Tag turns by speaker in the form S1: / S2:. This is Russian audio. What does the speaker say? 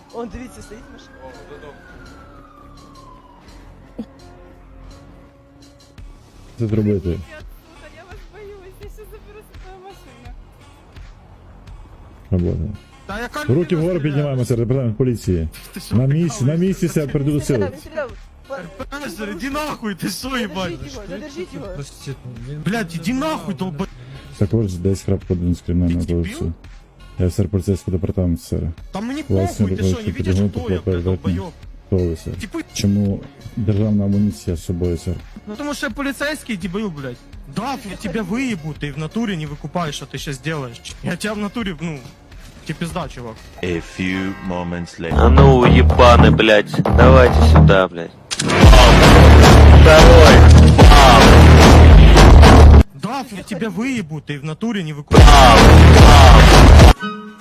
S1: Он, дивіться, стоїть машина.
S2: О, додому.
S3: Це зробити.
S4: Я вас боюсь, я ще заберу свою машину.
S3: Робота.
S2: Та яка
S3: Руки вгору піднімаємо, це департамент поліції. На місці себе прийду сили.
S1: Він стріляв.
S2: Пензер, иди нахуй, ты что, ебать?
S1: Задержіть його.
S2: Блядь, иди нахуй, долб...
S3: Також десь крапку з кримінального
S2: Ти дебіл?
S3: кодексу. Я сер поліцейський департамент, сер.
S2: Там мне
S3: Власне,
S2: похуй, ты что, не
S3: робочий
S2: видишь,
S3: підготовка
S2: кто я, блядь,
S3: передатний.
S2: долбоёб?
S3: Хто ви, сер?
S2: Типа,
S3: Чому державна амуніція з собою, сер?
S2: ну потому что я полицейский дебил, блядь. Да, я тебя выебу, ты в натуре не выкупаешь, что ты сейчас делаешь. Я тебя в натуре, ну, тебе пизда, чувак.
S5: A few moments later.
S6: А ну, ебаны, блядь, давайте сюда, блядь. Второй.
S2: Да, я тебя выебу, ты в натуре не выкупаешь.